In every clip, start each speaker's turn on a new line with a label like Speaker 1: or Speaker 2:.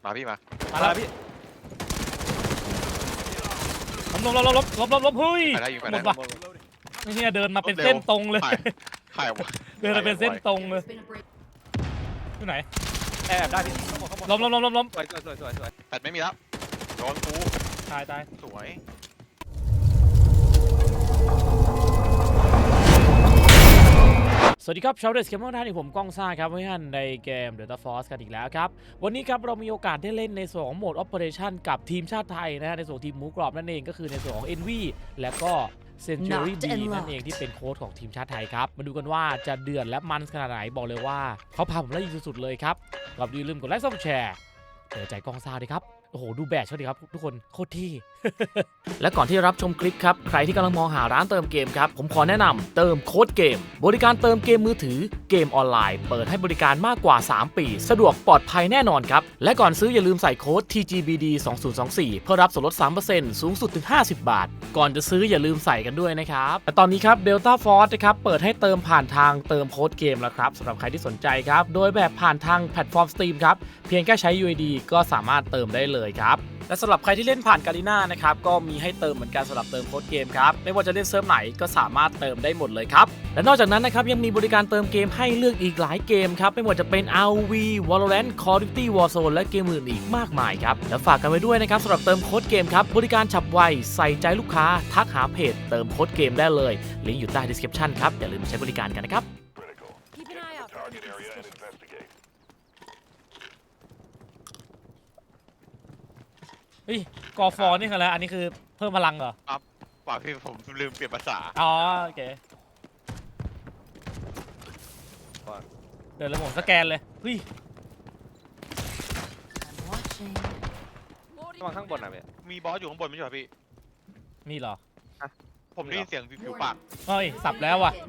Speaker 1: มาพี่มา
Speaker 2: แล้วพี่ล้มเฮ้ยหมดว่ะนี่เดินมาเป็นเส้นตรงเลยเดินมาเป็นเส้นตรงเลยที่ไหน
Speaker 3: แอบได้พี่
Speaker 2: ล้ม
Speaker 3: สวย
Speaker 1: แต่ไม่มีแล้วโดนกู
Speaker 2: ตาย
Speaker 1: สวย
Speaker 2: สวัสดีครับชาวเดสเกมเมอร์ท่านที่ผมก้องซ่าครับเพื่อนในเกม Delta Force กันอีกแล้วครับวันนี้ครับเรามีโอกาสได้เล่นในส่วนของโหมด Operation กับทีมชาติไทยนะฮะในส่วนทีมหมูกรอบนั่นเองก็คือในส่วนของ Envy และก็ Century B นั่นเองที่เป็นโค้ชของทีมชาติไทยครับมาดูกันว่าจะเดือดและมันขนาดไหนบอกเลยว่าเขาพาผมไล่ยิงสุดๆเลยครับก่อนอื่นลืมกดไลค์ซับแชร์เปิดใจก้องซ่าด้วยครับโอ้โหดูแบตเขาดิครับทุกคนโคตรที่ และก่อนที่รับชมคลิปครับใครที่กำลังมองหาร้านเติมเกมครับผมขอแนะนำเติมโค้ดเกมบริการเติมเกมมือถือเกมออนไลน์เปิดให้บริการมากกว่า3ปีสะดวกปลอดภัยแน่นอนครับและก่อนซื้ออย่าลืมใส่โค้ด TGBD 2024เพื่อรับส่วนลด 3% สูงสุดถึง50 บาทก่อนจะซื้ออย่าลืมใส่กันด้วยนะครับแต่ตอนนี้ครับ Delta Force นะครับเปิดให้เติมผ่านทางเติมโค้ดเกมแล้วครับสำหรับใครที่สนใจครับโดยแบบผ่านทางแพลตฟอร์ม Steam ครับเพียงแค่ใช้ UID ก็สามารถเติมได้เลยครับและสำหรับใครที่เล่นผ่านกาลิน่านะครับก็มีให้เติมเหมือนกันสำหรับเติมโค้ดเกมครับไม่ว่าจะเล่นเซิร์ฟไหนก็สามารถเติมได้หมดเลยครับและนอกจากนั้นนะครับยังมีบริการเติมเกมให้เลือกอีกหลายเกมครับไม่ว่าจะเป็น ROV Valorant Call of Duty Warzone และเกมอื่นอีกมากมายครับและฝากกันไว้ด้วยนะครับสำหรับเติมโค้ดเกมครับบริการฉับไวใส่ใจลูกค้าทักหาเพจเติมโค้ดเกมได้เลยลิงก์อยู่ใต้ description ครับอย่าลืมใช้บริการกันนะครับเฮ้ยกอฟอร์นี่คืออะไรอันนี้คือเพิ่มพลังเหรอ
Speaker 1: ป่าพี่ผมลืมเปลี่ยนภาษา
Speaker 2: อ๋อโอเคเดี๋ยวเราผมสแกนเลยเฮ้ย
Speaker 3: มาข้างบนอ่ะพี่
Speaker 1: มีบอสอยู่ข้างบนไม่ใช่เหรอพี่
Speaker 2: มีเหรอ
Speaker 1: ผมได้ยินเสียงผิวปาก
Speaker 2: เฮ้ยสับแล้วว่ะ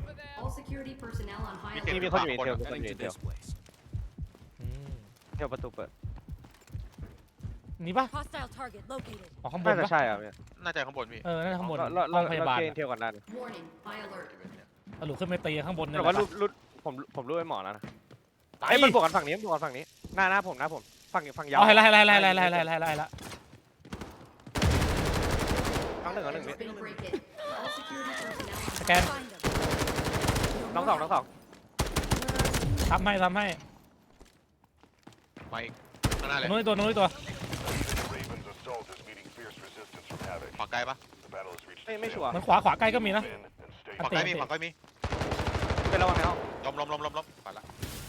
Speaker 3: มีคนอยู่เดียวเที่ยวประตูเปิด
Speaker 2: นี่ปะอ๋อข้างบน
Speaker 3: น่าจะใช่อ่ะ
Speaker 1: น่าจะข้างบนพี่
Speaker 2: น่าจะข้างบน
Speaker 3: ห้องพยาบาลเที่ยวก่อนได้
Speaker 2: หลุดขึ้นไปตีข้างบน
Speaker 3: แต่ว่ารุดผมรู้ไอ้หมอแล้วนะไอ้มันบวกกันฝั่งนี้หน้าผมฝั่งยาว
Speaker 2: ให้ละ
Speaker 3: ทั้งหนึ่ง
Speaker 2: สแกน
Speaker 3: น้องสอง
Speaker 2: ทำให้
Speaker 1: มาอีกข้างหน้าเลย
Speaker 2: นู้นตัว
Speaker 1: ขวาใกล้ปะ
Speaker 3: ไม่ชัวร์
Speaker 2: มันขวาใกล้ก็มีนะ
Speaker 1: ขวาใกล้มี
Speaker 3: เป็นระวังแล้ว
Speaker 1: ล้มไปละ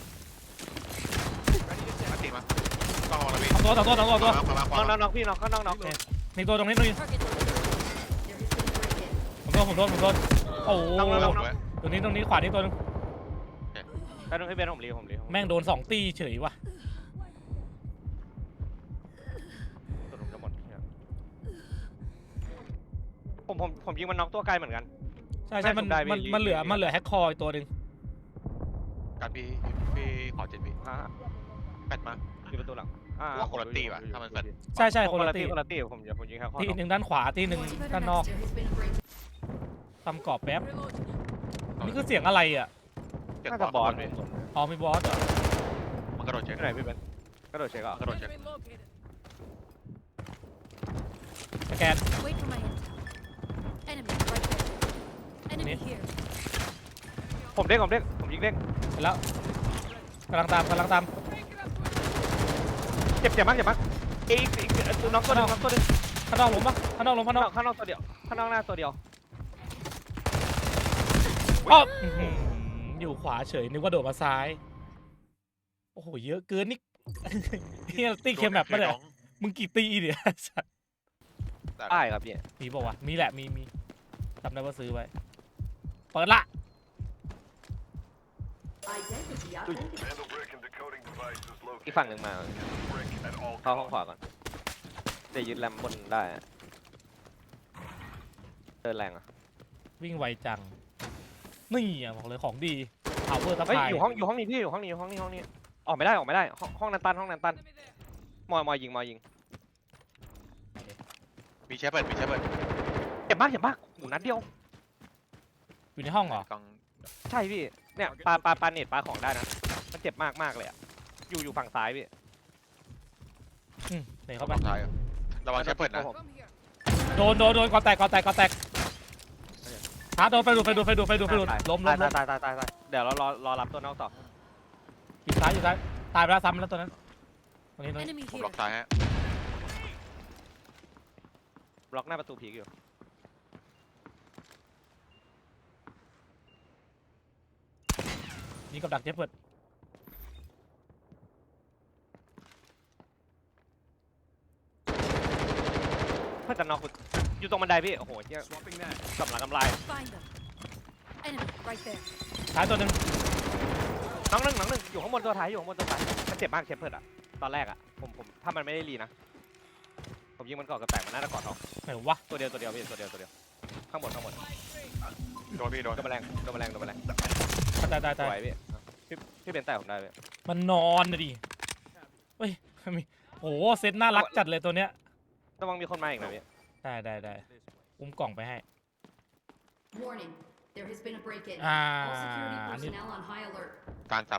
Speaker 1: มาตีมาต้องระวังพี่
Speaker 2: ตัว
Speaker 3: น้องพี่น้อง
Speaker 2: มีตัวตรงนี้ผมโดนโอ้ตรงนี้ขวานี้ตัวนึง
Speaker 3: แล้วนึงให้เบนผมรี
Speaker 2: แม่งโดน2ตีเฉยว่ะ
Speaker 3: ผมยิงมันน็อกตัวไกลเหมือนกัน
Speaker 2: ใช่มันเหลือแฮกคอร์ตัวนึง
Speaker 1: การพี่ขอ7 วิแปดมา
Speaker 3: ที่ประตูหลัง
Speaker 1: ว่าคนละตีว่ะถ้ามันแปด
Speaker 2: ใช่คนละตี
Speaker 3: ผมยิงแฮกคอร์
Speaker 2: ตีหนึ่งด้านขวาตีหนึ่งด้านนอกทำกรอบแป๊บนี่คือเสียงอะไรอ่ะ
Speaker 3: น่าจะบอส
Speaker 2: อ๋อมีบอสเหรอ
Speaker 1: มันกระโดดเช็ค
Speaker 3: ไหนพี่เบนกระโดดเช็คอ่ะ
Speaker 1: กระโดดเช็ค
Speaker 2: สแกน
Speaker 3: ผมยิงเด้ง
Speaker 2: แล้วกำลังตาม
Speaker 3: เจ็บมากอีกตัวน้องตัวนึง
Speaker 2: ข้างนอกล้มปะข้างนอก
Speaker 3: ตัวเดียวข้างนอกหน้าตัวเดียว
Speaker 2: อยู่ขวาเฉยนึกว่าโดดมาซ้ายโอ้โหเยอะเกินนี่นี่ตีเคมแบบไม่ได้มึงกี่ตีเนี่ย
Speaker 3: ได้ครับพี่
Speaker 2: มีบอกว่ามีแหละมีจำได้ว่าซื้อไว้เปิดละ
Speaker 3: อีกฝั่งหนึ่งมาเข้าห้องขวาก่อนจะยึดแรมบนได้เดินแรงอ่ะ
Speaker 2: วิ่งไวจังนี่อ่ะบอกเลยของดีเอาเวอร์ทับไฟ
Speaker 3: อยู่ห้องนี้พี่อยู่ห้องนี้ออกไม่ได้ห้องนั้นตันมอยยิง
Speaker 1: มีแชเปิด
Speaker 3: เจ็บมากหูนัดเดียว
Speaker 2: อยู่ในห้องเหรอ
Speaker 3: ใช่พี่เนี่ยปาเน็ตปาของได้นะมันเจ็บมากเลยอ่ะอยู่ฝั่งซ้ายพี่
Speaker 2: เตะ
Speaker 1: เข้า
Speaker 2: เข้าไป
Speaker 1: ไปท้ายอะระวังแชปเปิดนะ
Speaker 2: โดนก่อนแตกหาโดนไปดูล้ม
Speaker 3: ตายเดี๋ยวเรารอรับตัวนอกต่อ
Speaker 2: อยู่ซ้ายตายไปแล้วซ้ำแล้วตัวนั้นตรงนี้
Speaker 4: Enemy
Speaker 1: ผม
Speaker 4: here.
Speaker 1: ล็อกซ้ายฮะ
Speaker 3: บล็อกหน้าประตูผีอยู่
Speaker 2: นี่กับดักเจ็บเปิด
Speaker 3: ถ้าจะน็อกอยู่ตรงบันไดพี่โอ้โหเหี้ยกำลัง
Speaker 4: Find them. Enemy right there.
Speaker 2: ท้ายตัวหนึ่ง
Speaker 3: น้องหนึ่งอยู่ข้างบนตัวท้ายมันเจ็บมากเชฟเพิร์ดอะตอนแรกอะผมถ้ามันไม่ได้รีนะผมยิงมันก่อนกระแตกมันน่าจะกอดทอง
Speaker 2: ไหนวะ
Speaker 3: ตัวเดียวพี่ตัวเดียวข้างบน
Speaker 1: โดนพี่โดน
Speaker 3: โดนแมลง
Speaker 2: ตาย
Speaker 3: สวยพี่เป็นแต่ผมได้พี่
Speaker 2: มันนอนนะดิเฮ้ยมีโอ้โหเซตน่ารักจัดเลยตัวเนี้ย
Speaker 3: ระวังมีคนมาอีกนะพี่
Speaker 2: ได้อุ้มกล่องไปให้
Speaker 4: Warning. There has been a break-in.
Speaker 2: Ah,
Speaker 4: All security
Speaker 2: I need-
Speaker 4: personnel on high alert.
Speaker 1: การสับ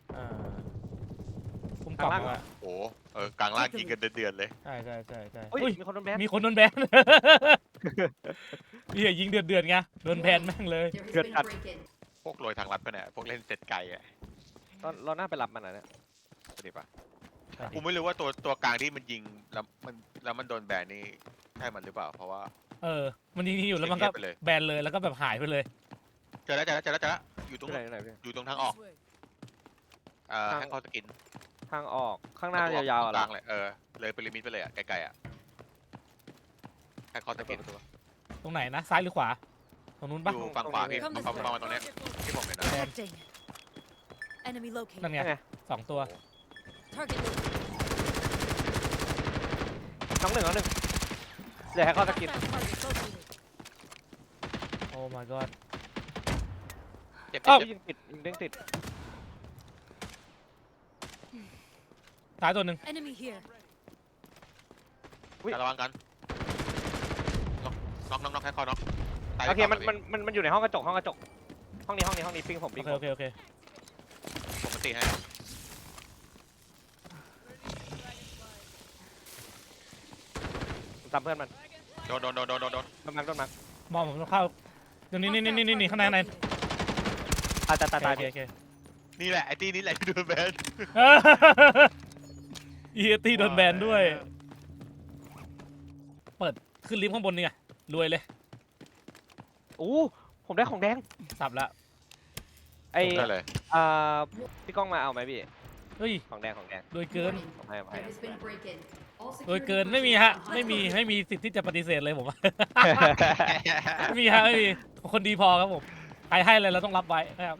Speaker 2: อุ้มกล่องมา
Speaker 1: โอ้กลางล่างยิงกันเดือดเลย
Speaker 2: ใช่
Speaker 3: เฮ้ย
Speaker 2: อุ้ย
Speaker 3: มีคนโดนแบน
Speaker 2: มีคนโดนแบน เฮียยิงเดือดไงโดนแบนแม่งเลย
Speaker 4: There has been a break-in.
Speaker 1: พวกโรยทางลัดไปเนี่ยพวกเล่นเสร็จไกลอ่ะ
Speaker 3: เราน่าไปรับมันนะเนี่ย
Speaker 1: สวัสดีป่ะกูไม่รู้ว่าตัวกลางที่มันยิงแล้วมันโดนแบนนี่ใช่มันหรือเปล่าเพราะว่า
Speaker 2: มันยิงอยู่แล้วมันก็
Speaker 1: เงียบไปเลย
Speaker 2: แบนเลยแล้วก็แบบหายไปเลย
Speaker 1: เจอแล้วอยู่ตรง
Speaker 3: ที่ไหนพี่
Speaker 1: อยู่ตรงทางออกให้เขาสกิน
Speaker 3: ทางออกข้างหน้ายาวๆ
Speaker 1: ก
Speaker 3: อะ
Speaker 1: ลางเลยเลยไปลิมิตไปเลยอ่ะไกลๆอ่ะให้เขาสกิน
Speaker 2: ตรงไหนนะซ้ายหรือขวาตรงนู้นปะ
Speaker 1: อยู่ฝั่งขวาพี่ประมาณตรงเนี้ยที่ผมเห็นนะ
Speaker 4: Detecting. Enemy
Speaker 2: นั่น
Speaker 4: located.
Speaker 2: ไงสองตัว
Speaker 4: Target located.
Speaker 3: น้องหนึ่งเดี๋ยวให้เขาสกิน
Speaker 4: Hostile target located.
Speaker 2: โอ้ my god
Speaker 1: เจ็บ
Speaker 3: ยิงเด้งติด
Speaker 2: ซ้ายตัวหนึ่ง
Speaker 4: Enemy here.
Speaker 1: ระวังกันน็อกให้เขาน็อก
Speaker 3: โอเคมันอยู่ในห้องกระจกห้องนี้ปิ้งผม
Speaker 2: โอ
Speaker 3: ปิ้ง
Speaker 2: เค
Speaker 1: ผมมาตีให้
Speaker 3: ตามเพื่อนมัน
Speaker 1: โดน
Speaker 3: โดนมัก
Speaker 2: มองผมต้องเข้าเดี๋ยวนี่ข้างใน
Speaker 3: ตาย
Speaker 2: โอเค
Speaker 1: นี่แหละไอ้ตีนี่แหละที่โดนแบน
Speaker 2: อีตี้โดนแบนด้วย เปิดขึ้นลิฟต์ข้างบนนี่ไงรวยเลย
Speaker 3: อู้ผมได้ของแดง
Speaker 2: สับละ
Speaker 3: ไอ้
Speaker 1: ได้เลย
Speaker 3: พี่ก้องมาเอาไหมพี่
Speaker 2: เฮ้ย
Speaker 3: ของแดง
Speaker 2: รวยเกิน
Speaker 4: Warning.
Speaker 3: ผมให้
Speaker 4: There has been a break-in. All
Speaker 2: รวย
Speaker 4: security
Speaker 2: เกินไม่มีฮะ
Speaker 4: personnel on
Speaker 2: ไม่
Speaker 4: high
Speaker 2: มี
Speaker 4: alert.
Speaker 2: ไม่มีสิทธิ์ที่จะปฏิเสธเลยผมว่า ไม่มีฮะไม่มีคนดีพอครับผมใครให้อะไรเราต้องรับไว้นะครับ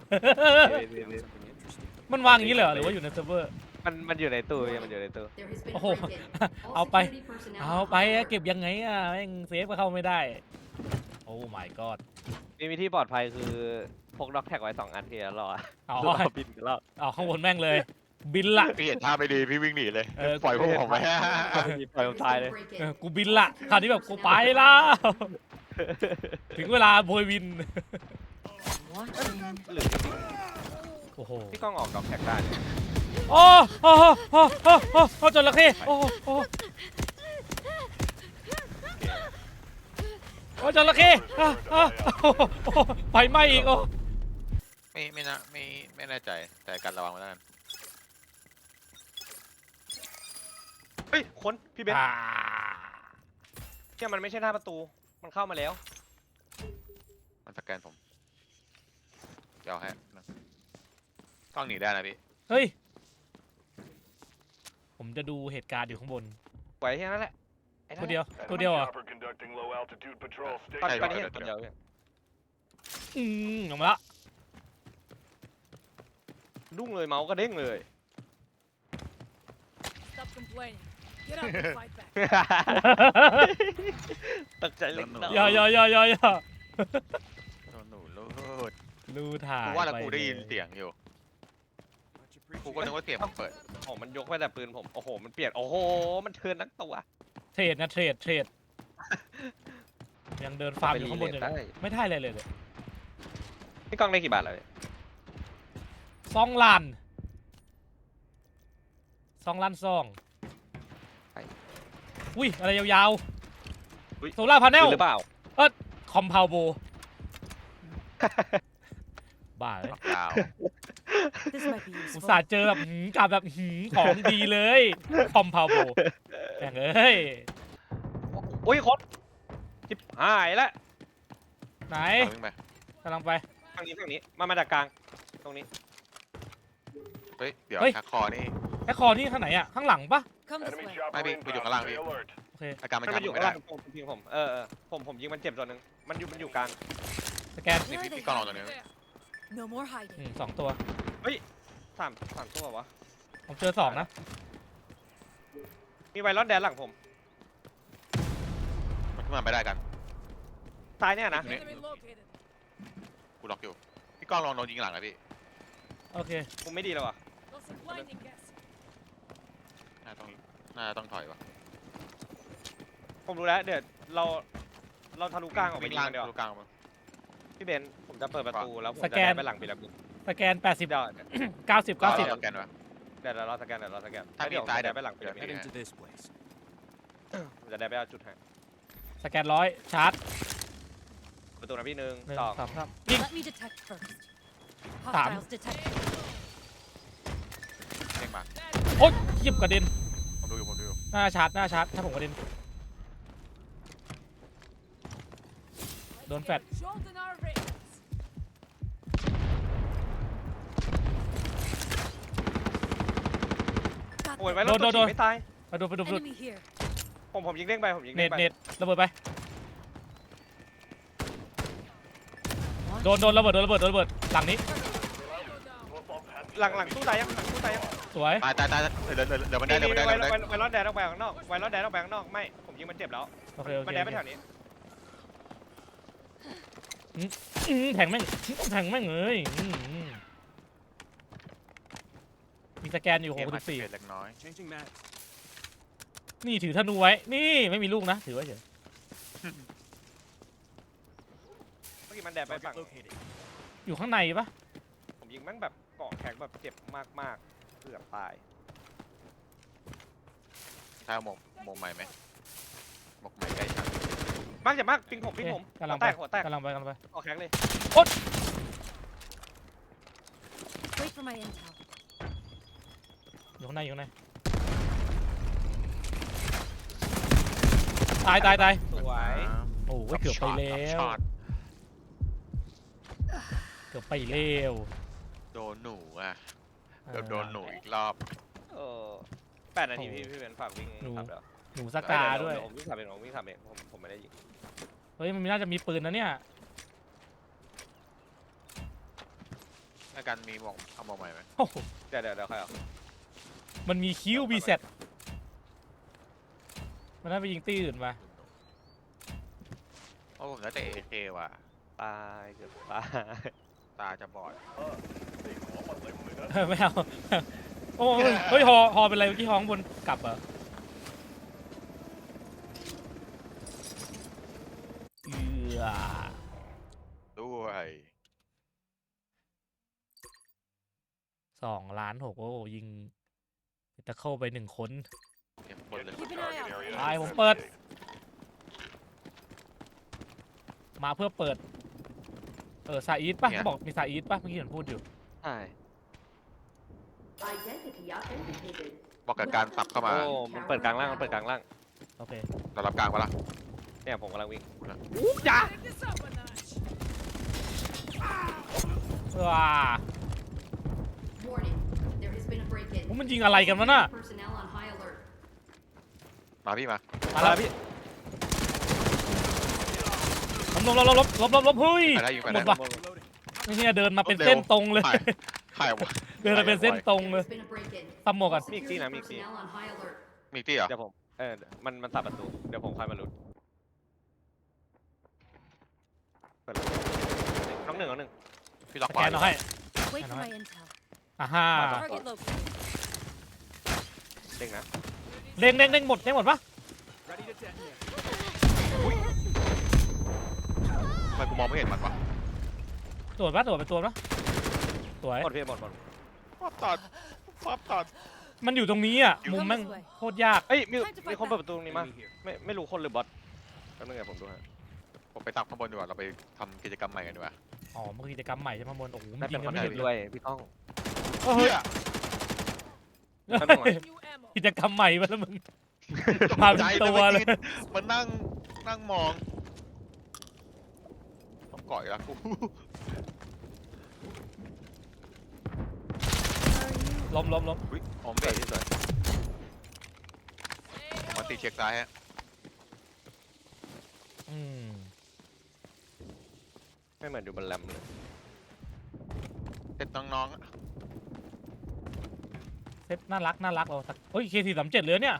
Speaker 2: มันวางอย่างนี้เลยเหรอหรือว่าอยู่ในเซิร์ฟเวอร์
Speaker 3: มันอยู่ในตู้มันอยู่ในตู้
Speaker 4: There has been a
Speaker 2: Oh.
Speaker 4: break-in. All
Speaker 2: เอาไป
Speaker 4: security personnel
Speaker 2: เอา
Speaker 4: on
Speaker 2: ไป
Speaker 4: high alert.
Speaker 2: เก็บยังไงอ่ะแม่งเซฟก็เข้าไม่ได้ โอ้ my god
Speaker 3: มีวิธีปลอดภัยคือพกด็อกแท็กไว้2 อันที่แล้วรอ
Speaker 2: เอา
Speaker 3: บินกันแล้ว
Speaker 2: เอาข้างบนแม่งเลย บินละ
Speaker 1: พี่เห็นท่าไม่ดีพี่วิ่งหนีเลย
Speaker 2: เออ
Speaker 1: ปล่อยพวกผมไป
Speaker 3: ปล่อยผมตายเลย
Speaker 2: เออกูบินละคราวนี้แบบกูไปแล้ว ถึงเวลาโบยวิน
Speaker 3: หรือ
Speaker 2: โอ้โห
Speaker 3: พี่ก้องออกด็อกแท็กได้เนี่ย
Speaker 2: โอ้โอ้โอ้โอ้โอ้โอ้จระเข้โอ้โอ้โอ้จระเข้ไฟไหม้อีกโอ้
Speaker 1: ไม่แน่ใจแต่การระวังไว้แล้วกัน
Speaker 3: เฮ้ยคนพี่เบนเนี่ยมันไม่ใช่หน้าประตูมันเข้ามาแล้ว
Speaker 1: มันสแกนผมเดี๋ยวให้นะต้องหนีได้นะพี่
Speaker 2: เฮ้ย ผมจะดูเหตุการณ์อยู่ข้างบน
Speaker 3: ไว้แค่นั้นแหละไอ้นั่
Speaker 2: ตัวน
Speaker 3: แห
Speaker 2: เดียว
Speaker 3: ละ
Speaker 2: ตัวเดียวเหรอ่ะ
Speaker 5: Chopper conducting low altitude patrol. Stay
Speaker 3: ตอน
Speaker 1: ใช่
Speaker 3: ตอนนี้
Speaker 1: เดี๋
Speaker 3: เห็
Speaker 1: ย
Speaker 3: น
Speaker 1: ว
Speaker 3: คนเดียว
Speaker 2: ออกมาละ
Speaker 3: ดุ้งเลยเมาส์ก็เด้งเลย
Speaker 4: Stop complaining. Get up and fight back.
Speaker 3: ตกใจเล็กน้อย
Speaker 2: อย่า
Speaker 1: หนูรูด
Speaker 2: ดูถ่าย
Speaker 1: กูว่าแล้ว
Speaker 2: ป
Speaker 1: กูได้ยิน
Speaker 2: ล
Speaker 1: เสียงอยู่กูก็นึกว่าเสียงมันเปิด
Speaker 3: โอ้มันยกไปแต่ปืนผมโอ้โหมันเปลี่ยนโอ้โหมันเทิร์นทั้งตัว
Speaker 2: เทรดนะเทรดยังเดินฟาร์มอยู่ข้างบนอยู่
Speaker 3: ได้
Speaker 2: นะไม่ได้เลย
Speaker 3: พี่ก้องได้กี่บาทแล้วเนี่ย
Speaker 2: 2 ล้าน2 ล้าน2 อุ้ยอะไรยาว
Speaker 3: อุ๊ย
Speaker 2: ๆโซล่าพาเนล
Speaker 3: หรือเปล่า
Speaker 2: คอมเพลโบบ้าเลย
Speaker 1: ล็อกดาวน์
Speaker 4: This might be
Speaker 2: อุต
Speaker 4: useful.
Speaker 2: ส่าห์เจอแบบกับแบบของดีเลยคอมเพลโบแม่งเอ้ย
Speaker 3: อุ้ยคนจิบหายแล้ว
Speaker 2: ไหน
Speaker 1: วิ่งไป
Speaker 2: กำลังไป
Speaker 3: ทางนี้มาจากกลางตรงนี้
Speaker 1: เฮ้ยเดี๋ยว
Speaker 2: เฮ้ย
Speaker 1: ชักคอนี่
Speaker 2: แค่คอนี่ข้างไหนอะข้างหลังปะ
Speaker 4: Come this
Speaker 5: Enemy
Speaker 4: way.
Speaker 5: chopper
Speaker 1: Maybe we
Speaker 5: inbound.
Speaker 1: don't allow
Speaker 5: Stay
Speaker 1: you.
Speaker 5: alert.
Speaker 2: โอเค
Speaker 1: อาการมัน
Speaker 3: มัน
Speaker 1: จับ
Speaker 3: อยู่
Speaker 1: ไม่
Speaker 3: ข้าง
Speaker 1: ได้
Speaker 3: ล่างผมยิงผมผมยิงมันเจ็บตัวหนึ่งมันอยู่กลาง
Speaker 2: สแกน
Speaker 1: นี่
Speaker 4: Where are
Speaker 1: พี่
Speaker 4: they
Speaker 1: กล้องเราตัว
Speaker 4: hiding?
Speaker 1: นี้
Speaker 4: No more hiding.
Speaker 2: สองตัว
Speaker 3: สามตัววะ
Speaker 2: ผมเจอสองนะ
Speaker 3: มีไวรอนแดนหลังผม
Speaker 1: มันขึ้นมาไม่ได้กัน
Speaker 3: ซ้ายเนี่ยนะ
Speaker 4: Enemy located.
Speaker 1: กูล็อกอยู่พี่กล้องลองโดนยิงหลังนะพี่
Speaker 2: โอเค
Speaker 3: มุมไม่ดีเลยว่ะ
Speaker 4: Got some blinding gas.
Speaker 1: น่าต้องถอยวะ
Speaker 3: ผมรู้แล้วเดี๋ยวเราทะลุกลางออกไป
Speaker 1: วิ่ง
Speaker 3: ยิง
Speaker 1: ล่าง
Speaker 3: กันเดี๋ยว
Speaker 1: ดูกลางมา
Speaker 3: พี่เบนซ์ผมจะเปิดประตูแล้วผม
Speaker 2: ส
Speaker 3: จะ
Speaker 2: แกน
Speaker 3: ได้ไปหลังปีละบิน
Speaker 2: สแกน 80
Speaker 3: เดี๋ยว
Speaker 2: 90
Speaker 1: รอ
Speaker 2: 90
Speaker 1: สแกนวะ
Speaker 3: เดี๋ยวเราสแกน
Speaker 1: ถ้ามี
Speaker 3: เดี๋ยว
Speaker 1: ซ้าย
Speaker 3: ผมจะได้ไปหลังปีละบิน
Speaker 1: เดี๋ยว
Speaker 5: Heading to this place.
Speaker 3: ผมจะได้ไปเอาจุดให้
Speaker 2: สแกน100ชาร์จ
Speaker 3: ประตูนะพี่หนึ่ง
Speaker 2: 1
Speaker 3: สอง
Speaker 2: 2 3ยิง
Speaker 4: Let me detect first.
Speaker 2: Tạm.
Speaker 4: Hostiles detected.
Speaker 1: เด้งมา
Speaker 2: โอ๊ยหยิบกระเด็น
Speaker 1: ผมดูอยู่
Speaker 2: หน้าชาร์จถ้าผมกระเด็นโดนแฟด
Speaker 4: Jolt in our veins.
Speaker 3: โอ้ย
Speaker 4: Got
Speaker 3: ไว้แล้ว
Speaker 2: โด
Speaker 3: ตัวน
Speaker 2: โด
Speaker 3: ฉี
Speaker 2: น
Speaker 3: ดไม่ตาย
Speaker 2: มาดู
Speaker 4: enemy here.
Speaker 3: ผมยิงเด้งไปผมยิง
Speaker 2: เน็
Speaker 3: เด้
Speaker 2: ต
Speaker 3: งไป
Speaker 2: ระเบิดไป โดนระเบิดหลังนี้
Speaker 3: หลังตู้ตายยังหลังตู้ตายยัง
Speaker 2: สวย
Speaker 1: ตายเดี๋ยวมันได้
Speaker 3: ไวรอนแดนออกไปข้างนอกไวรอนแดนออกไปข้างนอกไม่ผมยิงมันเจ็บแล้ว
Speaker 2: โอเค
Speaker 3: มันแดนไปแถวนี้
Speaker 2: แทงแม่งเลยมีสแกนอยู่
Speaker 1: เกมมาเปลี่ย
Speaker 2: 64
Speaker 1: นเล็กน้อย
Speaker 5: Changing mag.
Speaker 2: นี่ถือธนูไว้ นี่ไม่มีลูกนะ ถือไว้เฉย
Speaker 3: เมื่อกี้มันแดนไปฝั่ง
Speaker 5: Target located.
Speaker 2: อยู่ข้างในปะ
Speaker 3: ผมยิงแม่งแบบเกาะแข็งแบบเจ็บมากเกือบตาย
Speaker 1: ใช่หมกใหม่ไหมหมกใหม่ใกล้ชั้น
Speaker 3: มากเจ็บมากปิงผม
Speaker 2: โอเคกำลัง
Speaker 3: หัวแตก
Speaker 2: กำลังไป
Speaker 3: เกาะแข็งเลย
Speaker 4: Wait for my intel.
Speaker 2: อยู่ข้างในตาย
Speaker 3: สวย
Speaker 2: โอ้ยเกือบไปแล้ว
Speaker 1: ช็อต
Speaker 2: เกือบไปแล้ว
Speaker 1: โดนหนูอ่ะโดนหนูอีกรอบ
Speaker 3: เออ8 นาทีพี่เป็นฝากวิ่งครับเดี๋ยว
Speaker 2: หนูสกาด้วย
Speaker 3: ผมวิ่งขับเองผมไม่ได้ยิง
Speaker 2: เฮ้ยมันน่าจะมีปืนนะเนี่ย
Speaker 1: ในการมีหมกเอาหมกใหม่ไหม
Speaker 2: โอ้โห
Speaker 3: เดี๋ยวใครเอา
Speaker 2: มันมีคิวบีเซ็ตมันน่าไปยิงตีอื่นมา
Speaker 1: โอ้ผมแล้วแต่ AK ว่ะ
Speaker 3: ตายเกือบตาย
Speaker 1: ตาจะบอด
Speaker 5: They call my limb with us.
Speaker 2: ไม่เอา โอ้ยเฮ้ยฮอเป็นไรเมื่อกี้ฮอข้างบนกลับเหรอ
Speaker 1: ด้วย
Speaker 2: 2.6 ล้านโอ้ยิงตะเข้าไป1 คน
Speaker 1: เก็บคนเลย
Speaker 4: Keep an eye out.
Speaker 2: ตายผมเปิด มาเพื่อเปิด ซาอีทป่ะเขาบอกมีซาอีทป่ะเมื่อกี้เห็นพูดอยู่
Speaker 3: ใช่
Speaker 6: Identity authenticated.
Speaker 1: บอกกับการสับเข้ามา
Speaker 3: โอ้มันเปิดกลางล่าง
Speaker 2: โอเค
Speaker 1: เรารับกลางปะล่ะ
Speaker 3: เนี่ยผมกำลังวิ่ง
Speaker 4: Take this up a notch.
Speaker 2: ว้า
Speaker 6: Warning. There has been a break-in.
Speaker 2: มันยิงอะไรกันวะน่ะ
Speaker 6: Personnel on high alert.
Speaker 1: มาพี่มา
Speaker 2: มาแล้ว
Speaker 3: พี่
Speaker 2: ลบเฮ้ย
Speaker 1: ไปได้ยิงไป
Speaker 2: หม
Speaker 1: ได้
Speaker 2: ดว่ะเนี่ยเดินมาเป็นเส้นตรงเลย
Speaker 1: ถ่ายวะ
Speaker 2: เดินมาเป็นเส้นตรงเลย
Speaker 6: There's been a break-in.
Speaker 2: ตำหมวกกัน
Speaker 6: All security personnel on high alert.
Speaker 1: มีตี้เหรอ
Speaker 3: เดี๋ยวผมมันตัดประตูเดี๋ยวผมค่อยมาลุ้นเปิดเลยน้องหนึ่ง
Speaker 1: พี่ล็อก
Speaker 2: สแกนเอาให้
Speaker 4: Wait for
Speaker 2: Ano
Speaker 4: my intel.
Speaker 2: อ่าฮ่า
Speaker 4: Target located.
Speaker 3: เด้งนะ
Speaker 2: เด้งหมดปะ
Speaker 5: Ready to detonate.
Speaker 1: ทำไมกูมองไม่เห็นมันวะ
Speaker 2: ตรวจเป็นตัวปะสวย
Speaker 3: หมดพี่หมด
Speaker 1: ป๊อปตอด
Speaker 2: มันอยู่ตรงนี้อ่ะมุมแม่งโคตรยาก
Speaker 3: เอ้ยมีคนเปิดประตูตรงนี้มา
Speaker 5: Enemy here.
Speaker 3: ไม่รู้คนหรือบอทแป๊บนึงเดี๋ยวผมดูให้
Speaker 1: ผมไปตักข้างบนดีกว่าเราไปทำกิจกรรมใหม่กันดีกว่า
Speaker 2: อ๋อมันคือกิจกรรมใหม่ใช่ไหมบนโอ้โหมั
Speaker 3: น่าน
Speaker 2: ยิ
Speaker 3: เป็น
Speaker 2: ง
Speaker 3: ค
Speaker 2: กัน
Speaker 3: น
Speaker 2: ไม่หยุด
Speaker 3: อื่น
Speaker 2: เล
Speaker 3: ด้วย ยพี่ก้อง
Speaker 2: เฮ้ย
Speaker 3: แป๊บนึงก่อน
Speaker 4: New ammo.
Speaker 2: กิจกรรมใหม่มาแล้วมึง มาเป็นตัวเลย
Speaker 1: มันนั่งมองต้องก่อยละกู
Speaker 2: ล้ม
Speaker 1: อุ้ยออมเบสที่สุดมันตีเช็คซ้ายฮะ
Speaker 2: อืม
Speaker 3: ไม่เหมือนอยู่บนแรมเลย
Speaker 1: เซ็ตน้องๆอะ
Speaker 2: เซตน่ารักเราสักเฮ้ย K437เหลือเนี่ย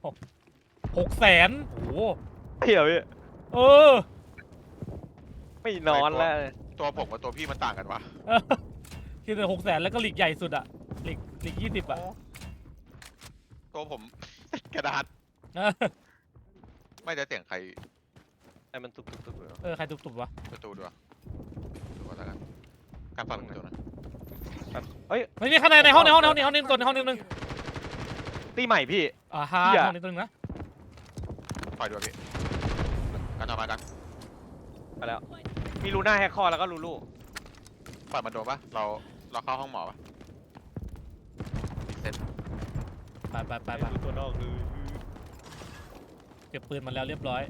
Speaker 2: 600,000โอ้โห
Speaker 3: เหี้ยพี่
Speaker 2: เออ
Speaker 3: ไม่นอนแล้ว
Speaker 1: ตัวผมกับตัวพี่มันต่างกันวะ
Speaker 2: คือแต่600,000แล้วก็หลีกใหญ่สุดอะหลีก20อะ
Speaker 1: ตัวผม กระดาษไม่ได้เสียงใคร
Speaker 3: ไอ้มันตุกๆเลย
Speaker 2: เออใครตุบๆวะ
Speaker 1: ประตูด้วยดูก่อนแล้วกันการฟังประตูนะ
Speaker 3: เฮ้ย
Speaker 2: ไม่มีข้างในห้องนี้ตัวในห้องนี้นึง
Speaker 3: ตีใหม่พี่
Speaker 2: อ่าฮะ
Speaker 3: เหี้ย
Speaker 2: ห้องนี้ตัวนึงนะ
Speaker 1: ปล่อยด้วยพี่กันต่อมากัน
Speaker 3: ไปแล้ว มีลูน่าแฮกคอร์แล้วก็ลูลู
Speaker 1: ปล่อยมันโดนปะเราเข้าห้องหมอปะรีเซ็ต
Speaker 2: ไป
Speaker 3: ดูตัวนอกคือ
Speaker 2: เก็บปืนมาแล้วเรียบร้อย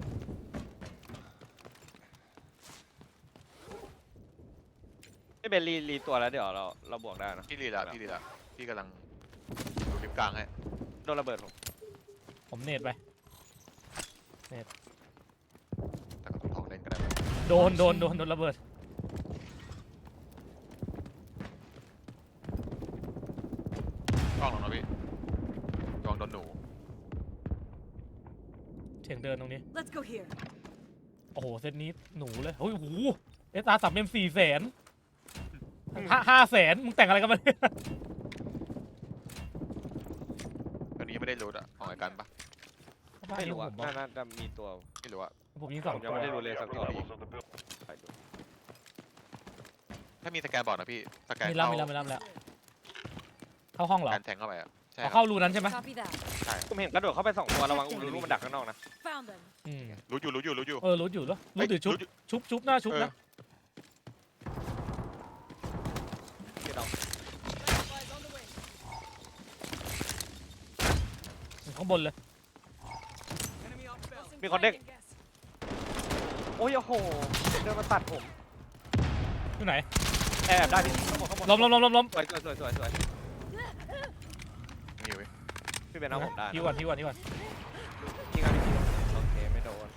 Speaker 3: ไม่เป็นรีตัวแล้วเดี๋ยวเราบวกได้นะ
Speaker 1: พี่รีละพี่กำลังดูลิฟต์กลางให้
Speaker 3: โดนระเบิดผม
Speaker 2: ผมเนตไป
Speaker 1: แต่ก็ต้องทองเล่นก็ได้
Speaker 2: โดนระเบิด
Speaker 1: กล้องลงนะพี่ลองโดนหนู
Speaker 2: เสียงเดินตรงนี้
Speaker 4: Let's go here.
Speaker 2: โอ้โหเซตนี้หนูเลยโอ้ยโหเอสอาร์3 M 400,000 500,000มึงแต่งอะไรกันมาเนี่ย
Speaker 1: อันนี้ยังไม่ได้รูดอะของไอ้กันปะ
Speaker 3: ไม่รู้
Speaker 2: ผ
Speaker 3: อ่ะ
Speaker 2: มบอก
Speaker 3: น่าจะมีตัว
Speaker 1: ไม่รู้อะ
Speaker 2: ผมยิง
Speaker 3: ผ
Speaker 2: 2
Speaker 3: มยัง
Speaker 2: ตัว
Speaker 3: ไม่ได้รู้เลยสักตัว
Speaker 5: Levels of the building.
Speaker 3: ไปดู
Speaker 1: ถ้ามีสแกนบอกนะพี่สแกน
Speaker 2: มีแล้วเข้าห้องเหรอ
Speaker 1: การแทงเข้าไปอะใช่
Speaker 2: เอา
Speaker 1: ครั
Speaker 2: เข้า
Speaker 1: บ
Speaker 2: รูนั้นใช่ไหม
Speaker 4: Copy that.
Speaker 3: ผมเห็นกระโดดเข้าไป2ตัวระวังลูลูมันดักข้างนอกนะ
Speaker 4: Found them.
Speaker 2: อืม
Speaker 1: รู้อยู่
Speaker 2: รู้อยู่แล้วรู้ถือชุบหน้าชุบนะ
Speaker 3: พี่น้อง
Speaker 4: Supplies on the way.
Speaker 2: ข้างบนเลย
Speaker 5: Enemy outbound.
Speaker 4: Tossing
Speaker 3: Bị con đếch.
Speaker 4: flying gas.
Speaker 3: โอ้ยโอ้โหเดินมาตัดผม
Speaker 2: อยู่ไหน
Speaker 3: แอบได้พี่ข้างบน
Speaker 2: ล้ม
Speaker 3: สวย
Speaker 1: มีอยู่เว้ย
Speaker 3: พี่เป็นเอาผมได้นะ
Speaker 2: ที่ก่อน
Speaker 3: ยิงกันพี่โอเคไม่โดน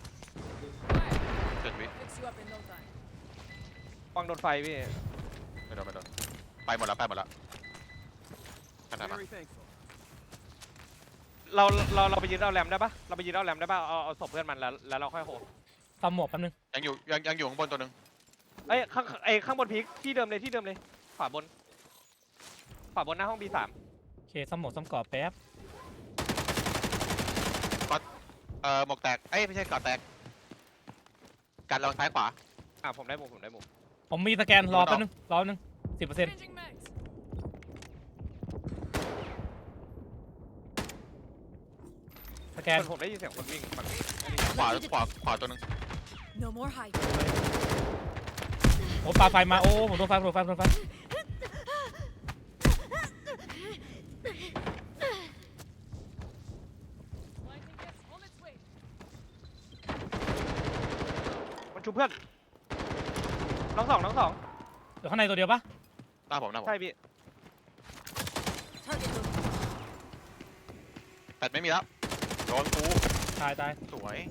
Speaker 1: เจ็ดวิ
Speaker 4: Fix you up in no time.
Speaker 3: ฟังโดนไฟพี่
Speaker 1: ไม่โดนไปหมดแล้วขนาดนั้น
Speaker 5: Very thankful.
Speaker 3: เราไปยืนเอาแรมได้ปะเราไปยืนเอาแรมได้ปะเอาศพเพื่อนมันแล้วเราค่อยโห
Speaker 2: ตำหมวกแป๊บนึง
Speaker 1: ยังอยู่ข้างบนตัวหนึ่ง
Speaker 3: เอ้ยข้างบนพีคที่เดิมเลยขวาบนหน้าห้อง B3
Speaker 2: โอเคซ้ำหมวกซ้ำกรอบแป๊บ
Speaker 1: หมวกแตกเอ้ยไม่ใช่กอดแตกกันลองซ้ายขวา
Speaker 3: ผมได้มุม
Speaker 2: ผมมีสแกนรอแป๊บนึง10%
Speaker 4: Changing mags.
Speaker 2: สแกน
Speaker 3: ผมได้ยินเสียงคนวิ่งฝั่งนี้
Speaker 1: ขวาตัวหนึ่ง
Speaker 4: No more hiding.
Speaker 2: โอ้ปาไฟมาโอ้ผมโดนไฟ
Speaker 4: Lightning gas on its way.
Speaker 3: มันชูเพื่อนน้องสอง
Speaker 2: เดี๋ยวข้างในตัวเดียวปะ
Speaker 1: หน้าผม
Speaker 3: ใช่พี่
Speaker 4: Target located.
Speaker 1: แปดไม่มีแล้วโดนกู
Speaker 2: ตาย
Speaker 1: สวย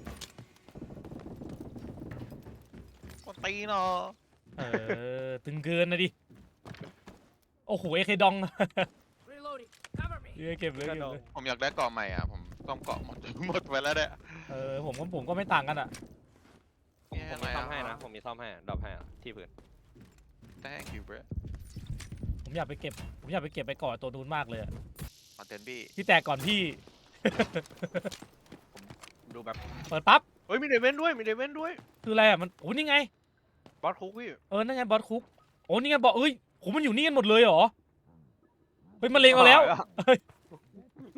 Speaker 1: คนตีเนาะ
Speaker 2: ตึงเกินนะดิโอ้โหเอเคดอง
Speaker 4: Reloading. Cover me.
Speaker 2: เก็บเลย
Speaker 1: ผมอยากได้เกาะใหม่อ่ะผมต้องเกาะหมดไปแล้วเนี่ย
Speaker 2: ผมก็ไม่ต่างกันอ่ะ
Speaker 3: ผมมีซ่อมให้นะผมมีซ่อมให้ดรอปให้ที่พื้น
Speaker 1: thank you bro
Speaker 2: ผมอยากไปเก็บไปก่อนตัวนู้นมากเลยอะ
Speaker 1: คอนเทนต์บี้
Speaker 2: พี่แตกก่อนพี่
Speaker 3: ดูแบบ
Speaker 2: เปิดปั๊บ
Speaker 3: เฮ้ยมีเดเวนด้วย
Speaker 2: คืออะไรอ่ะมันโอ้นี่ไง
Speaker 3: บอสคุกพี่
Speaker 2: นั่นไงบอสคุกโอ้นี่ไงบอกเอ้ยโหมันอยู่นี่กันหมดเลยเหรอเฮ้ยมันเลงเอาแล้ว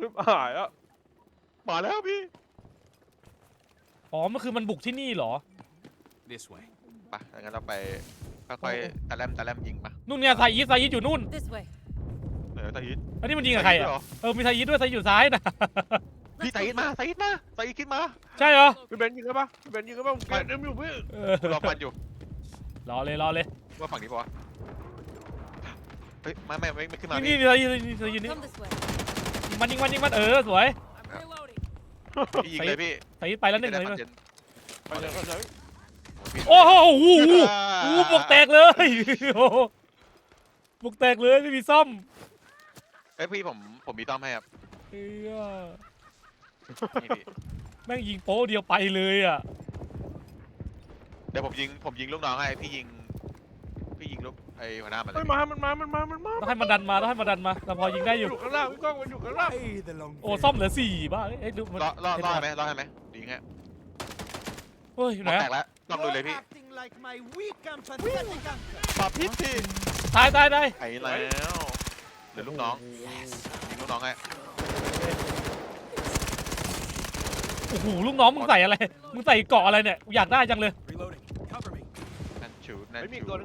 Speaker 3: หายอ่ะ
Speaker 1: มาแล้วพี่
Speaker 2: อ๋อมันคือมันบุกที่นี่เหรอ
Speaker 5: This way.
Speaker 1: ไปงั้นเราไปค่อยๆตะแลมยิงมา
Speaker 2: นู่นเนี่ยไซยิดอยู่นู่น
Speaker 4: This way.
Speaker 1: ตะยิด
Speaker 2: อันนี้มันยิงกับใครอ่ะ มีไซยิดด้วยไซยิดอยู่ซ้ายนะ
Speaker 1: พี่ตะยิดมาตะยิดขึ้นมา
Speaker 2: ใช่เหรอ
Speaker 3: พี่เบนยิงกันปะพี่เบนยิงกันปะผมเกลียดอยู่พี่
Speaker 2: เออ
Speaker 1: รอฟันอยู่
Speaker 2: รอเลย
Speaker 1: ว่าฝั่งนี้ปะวะเฮ้ยไม่ขึ้นมา
Speaker 2: นี่
Speaker 1: พี่
Speaker 2: ไซยิดนี่
Speaker 4: Come this way.
Speaker 2: ยิงมันสวย
Speaker 4: I'm reloading.
Speaker 1: พี่ยิงเลยพี่
Speaker 2: ไซยิดไปแล้วหนึ่ง
Speaker 1: จะ
Speaker 2: เลย
Speaker 1: ได้ฟันเย็น
Speaker 3: ไปเลยไปเลย
Speaker 2: โอ้โหบวกแตกเลยโอ้โหบวกแตกเลยไม่มีซ่อม
Speaker 1: เฮ้ยพี่ผมมีต้อมให้ครับ
Speaker 2: เอ้ย
Speaker 1: นี่พี่
Speaker 2: แม่งยิงโป๊ะเดียวไปเลยอ่ะ
Speaker 1: เดี๋ยวผมยิงลูกน้องให้พี่ยิงลูกไอ้หัวหน้ามันเล
Speaker 3: เฮ้
Speaker 1: ย
Speaker 3: ยมามันมา
Speaker 2: ต้องให้มันดันมาเราพอยิงได้อยู่
Speaker 3: อยู่ข้างล่างพี่ก้องมันอยู่ข้างล่าง
Speaker 5: Hey, the long
Speaker 2: โอ้ซ่อมเหลือ4บ้าเอ้ยดูมัน
Speaker 1: รอดไหมยิงฮะ
Speaker 2: เฮ้ยอยู่ไหน
Speaker 1: แตกแล้วลองดูเลยพี่
Speaker 5: acting like my weak and pathetic uncle.
Speaker 1: ปาพิษสิ
Speaker 2: ตาย
Speaker 1: ไอ้แล้วเหลือลูกน้องยิงลูกน้องให้
Speaker 2: โอ้โหลูกน้องมึงใส่อะไรมึงใส่เกาะอะไรเนี่ยกูอยากได้จังเลย
Speaker 5: Reloading. Cover me.
Speaker 1: นั่นชู
Speaker 3: เฮ้ยมีอีกตัวนึง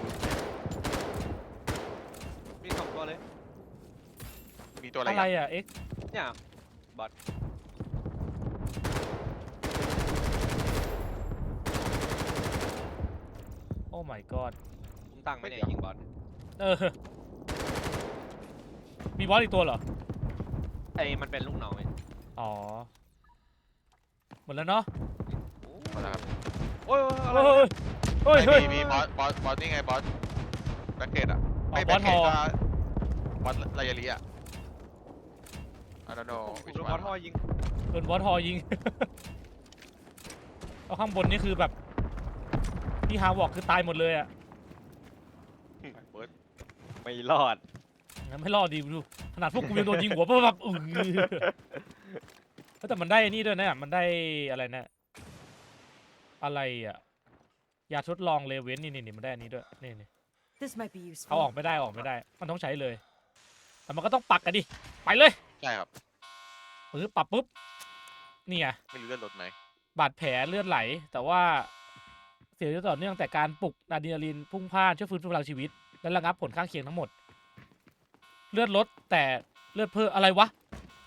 Speaker 3: มี2ตัวเลย
Speaker 1: มีตัวอะไร
Speaker 2: อะไรอ่ะเอ็ก
Speaker 3: เนี่ย
Speaker 2: โอ้ my god
Speaker 3: ผมตั้งไม่เนี่ยยิงบอล
Speaker 2: เออมีบอสอีกตัวเหรอ
Speaker 3: ไอ้มันเป็นลูกน้องไง
Speaker 2: อ๋อหมดแล้วเนาะ
Speaker 1: มาแล้วครับ
Speaker 3: โอ้ยอะไร
Speaker 2: เฮ้ย
Speaker 1: มีบอสนี่ไงบอสแบ็คเกตอ่ะ
Speaker 2: อ๋อ
Speaker 1: ไม่
Speaker 2: บ
Speaker 1: แบ็
Speaker 2: อ
Speaker 1: ค
Speaker 2: ส
Speaker 1: เก
Speaker 2: ฮ
Speaker 1: ต
Speaker 2: อ
Speaker 1: ก็บอสไลยาลีอ่ะ I don't know
Speaker 3: โดนบอลท่อยิง
Speaker 2: โดนบอสฮอยิง เอาข้างบนนี่คือแบบที่ฮาวอกคือตายหมดเลยอ่ะ
Speaker 1: เบิร์ด
Speaker 3: ไม่รอด
Speaker 2: งั้นไม่รอดดีดูขนาดพวกกูยังโดนยิงหัวเพราะแบบแต่มันได้นี่ด้วยนะมันได้อะไรนะอะไรอ่ะยาทดลองเลเวนนี่มันได้อันนี้ด้วยนี่
Speaker 4: This might be
Speaker 2: เอาออก
Speaker 4: useful.
Speaker 2: ไม่ได้มันต้องใช้เลยแต่มันก็ต้องปักกันดิไปเลย
Speaker 1: ใช่ครับ
Speaker 2: ปรับปุ๊บนี่ไง
Speaker 1: ไม่รู้เลือดลดไหม
Speaker 2: บาดแผลเลือดไหล แต่ว่าเสียชีวิตต่อเนื่องแต่การปลุกอะดรีนาลีนพุ่งพล่านช่วยฟื้นฟูพลังชีวิตและระงับผลข้างเคียงทั้งหมด เลือดลดแต่เลือดเพิ่มอะไรวะ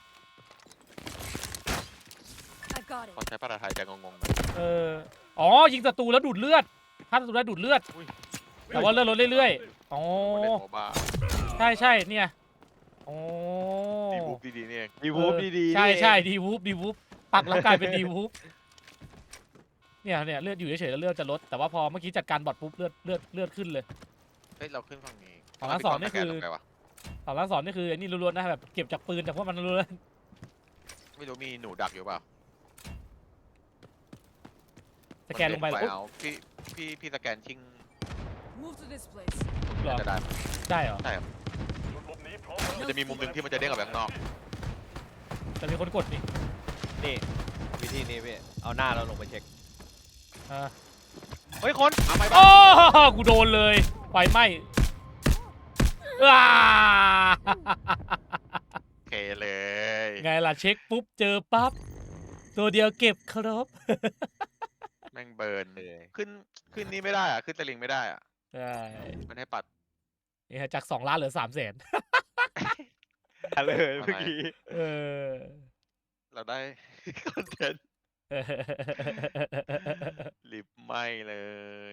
Speaker 4: I've got
Speaker 1: พอ
Speaker 4: it.
Speaker 1: ใช้ภาษาไทยจะงงๆหน่อย
Speaker 2: อ๋อยิงศัตรูแล้วดูดเลือดถ้าศัตรูได้ดูดเลือด
Speaker 1: อุ้ย
Speaker 2: แต่ว่าเลือดลดเรื่อยๆอ๋อ
Speaker 1: เล่นโมบ้า
Speaker 2: ใช่เนี่ยอ๋อ
Speaker 1: ดีบูฟดีๆนี่เอง
Speaker 3: ดีวูฟดีๆ
Speaker 2: ใช่ดีวูฟปักแล้วกลายเป็นดีวูฟเนี่ยเลือดอยู่เฉยๆแล้วเลือดจะลดแต่ว่าพอเมื่อกี้จัดการบอทปุ๊บเลือดขึ้นเลย
Speaker 1: เฮ้ยเราขึ้นฝั่งนี้
Speaker 2: ฝั่งละสองนี่คือ
Speaker 1: ตรงไหวะ
Speaker 2: สองล้านสองนี่คือไอ้นี่ล้วนๆนะแบบเก็บจากปืนจากพวกมันล้วน
Speaker 1: ไม่รู้มีหนูดักอยู่เปล่า
Speaker 2: ๆสแกนลงไปเหรอ
Speaker 1: เอาพี่สแกนชิง
Speaker 4: Move to this place.
Speaker 2: เหรอ
Speaker 1: จะได้
Speaker 2: ได้เหรอ
Speaker 1: ใช่ครับมันจะมีมุมหนึ่งที่มันจะเด้งออกไปข้างนอก
Speaker 2: แต่มีคนกดนี่
Speaker 3: นี่วิธีนี้พี่เอาหน้าเราลงไปเช็ค
Speaker 2: อ่า
Speaker 3: เฮ้ยคน
Speaker 1: เอาไป
Speaker 2: โอ้
Speaker 1: บ้าง
Speaker 2: กูโดนเลยไฟไหม้อ้า
Speaker 1: โอเคเลย
Speaker 2: ไงล่ะเช็คปุ๊บเจอปั๊บตัวเดียวเก็บครับ
Speaker 1: แม่งเบิร์นเลยขึ้นนี่ไม่ได้อ่ะขึ้นตะลิงไม่ได้อ่ะ
Speaker 2: ใช่
Speaker 1: มันให้ปัด
Speaker 2: นี่ฮะจาก2 ล้านเหลือ300,000
Speaker 3: เลยเมื่อกี้
Speaker 2: เออ
Speaker 1: เราได้ คอนเทนต์ลิบไหมเลย